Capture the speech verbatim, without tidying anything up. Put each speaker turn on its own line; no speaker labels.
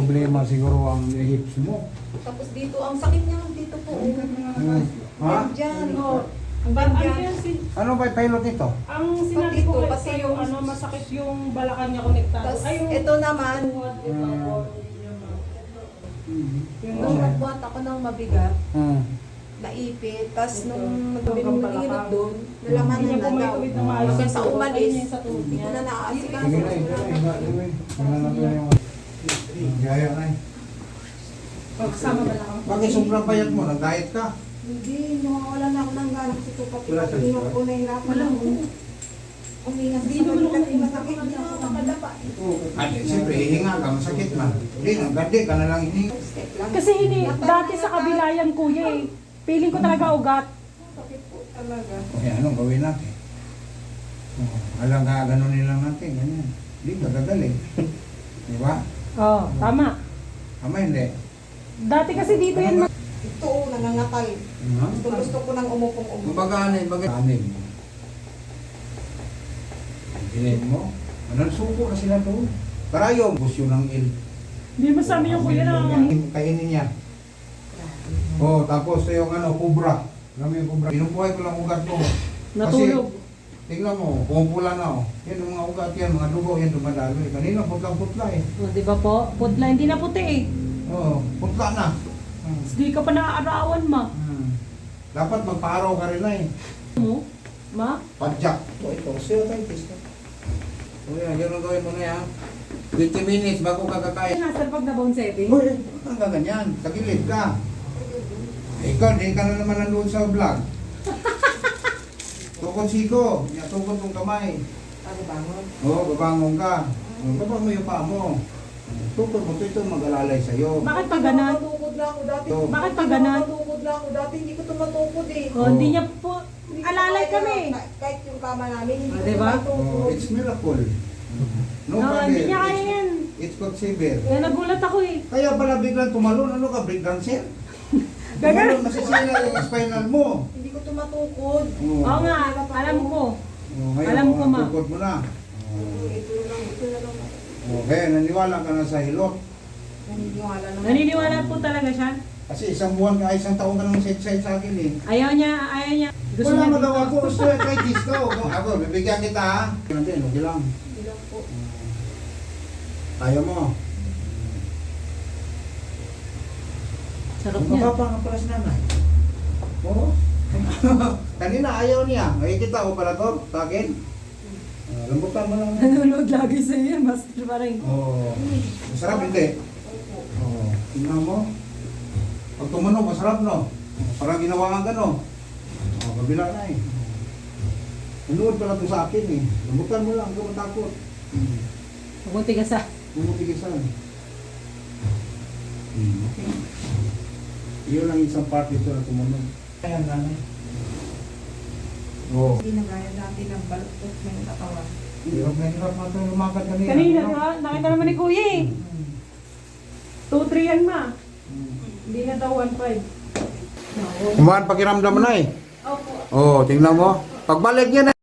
problema siguro ang hips mo.
Tapos dito, ang sakit niya dito po.
Hmm. Ha?
Diyan, oh.
Ang
Ba-
ano
yan?
yan, si,
Ano ba yung pilot nito?
ang sinabi ko
Dito,
kasi
kasi
yung
yung-
ano, masakit yung balakang niya konektado.
Tapos
Ay, yung...
ito naman,
Hmm.
nung nagbuhat ako ng mabigat,
Hmm.
naipit, tapos nung
Hanggang
nagbinulinot
balakang.
doon, nalaman
Hindi
na
niya po
na
may
daw.
tuwid na maayos.
Hanggang sa umalis,
Ayun yung sa tuhod
hindi ko
niya.
na naasikaso.
Sige na, ito, iba, iba. Tingnan natin yung... Gaya na eh.
Pagsama balakang.
Bakit sobrang payat mo? Nag-diet ka?
Hindi, nawawala na ako ng gana kasi ito pati
Wala sa
pag ko na hirapan
Wala
ako.
po.
Umingas
Hindi
sa
naman ako
balikat, masakit, hindi ako makadapa.
At siyempre, hihinga ka, masakit man. Hindi, nagandi ka na lang hihinga.
Step lang.
Kasi hindi, dati sa kabilayan kuya eh. Feeling ko talaga ugat.
Sakit po talaga.
Okay, anong gawin natin? Oh, alam ka, ganun nilang natin, ganyan. Hindi ka gagaling. Di ba?
Oo, oh, tama.
Tama hindi.
Dati kasi dito yan. ma-
Ito, oh, nangangatal.
Ha?
Gusto, gusto ko nang umupong umupo.
Kumbaga, ano yung bagay? Tanim mo. Gilid mo. Anong suko na sila doon? Karayong. Busyo ng il.
Hindi mo sabi yung kuya na.
Kainin niya. Oh, tapos yung ano, kubra. Alam mo yung kubra. Pinupuhay ko lang ugat mo.
Natulog.
Kasi, tingnan mo, pumupula na oh. Yan ang mga ugat yan, mga dugo yan dumadaloy. Kanina putlang-putla eh.
O, di ba po? Putla, hindi na puti eh.
Oo, putla na. Hmm.
Hindi ka pa naaarawan ma.
Hmm. Dapat magpa-araw ka rin na eh.
Mo? Ma?
Padjak. Ito, ito. Osteoarthritis na. O yan, yun ang gawin mo na yan. twenty minutes bago ka kakain.
Master pag na bone setting?
Uy, ang gaganyan. Tagilid ka. Ikaw, di ka na naman nandun sa vlog. Tukod siko. Yan, tukod mong kamay.
Ano bangon?
Oo, babangon ka. O, baba mo yung paa mo. Tukod mo, ito mag-alalay sa'yo.
Bakit pa ganon?
Tumatukod lang ako dati.
Oh.
Bakit pa ganon?
Tumatukod lang ako dati, hindi ko tumatukod eh.
O, hindi niya po.
Hindi ko
Alalay
kaya,
kami.
kah- Kahit yung kama namin, hindi
Ah,
ko
diba?
Oh,
tumatukod.
it's miracle. No,
No,
brother.
hindi niya kaya
It's-
yan.
It's called severe.
Kaya nagulat ako eh.
Kaya pala biglang tumalon, ano ka, break dancer?
Gagal.
Tumalon, masisira yung spinal mo.
Hindi ko tumatukod.
Oo.
Oo nga, alam ko.
Oh, ngayon,
Alam ko,
oh,
ma.
tukod mo na.
Oh, Ito na lang, ito na lang.
Oh, kaya naniwala ka na sa hilot.
Naniniwala naman.
Naniniwala po talaga siya.
Kasi isang buwan ka, isang taon ka nang side-side sa akin eh.
Ayaw niya, ayaw niya. Gusto
Wala
niya
magawa
dito.
ko, osteoarthritis ko. Ako, bibigyan kita ha. Natin, okay lang.
Hindi lang po.
Ayaw mo.
Sarap
Ang
niya.
mababa nga pala si nanay. Oo. Kanina ayaw niya. Nakikita ko pala to sa akin. Uh, lambutan mo lang.
Nanonood lagi sa iyo, master pa rin.
Oo. Masarap hindi? Oo. Tingnan mo. Pag tumunog, masarap no? Parang ginawa ka no? Oo, kabila na eh. Nanood pala to sa akin eh. Lambutan mo lang, huwag ka matakot.
Huwag mong tigasa.
Bumutigisan. Hmm, okay. Iyon lang isang part dito na tumunog. Ayan, nanay. Oo.
Hindi na gaya dati ng baluktot ng katawan.
Hirap na hirap na ito lumakad kanina.
Kanina,
Ano?
ha? Nakita naman ni Kuya eh. two three yan ma.
Hmm.
Hindi na daw one five.
Kumaan pakiramdam mo na eh.
Opo.
Oo, tingnan mo. Pagbalik niya na.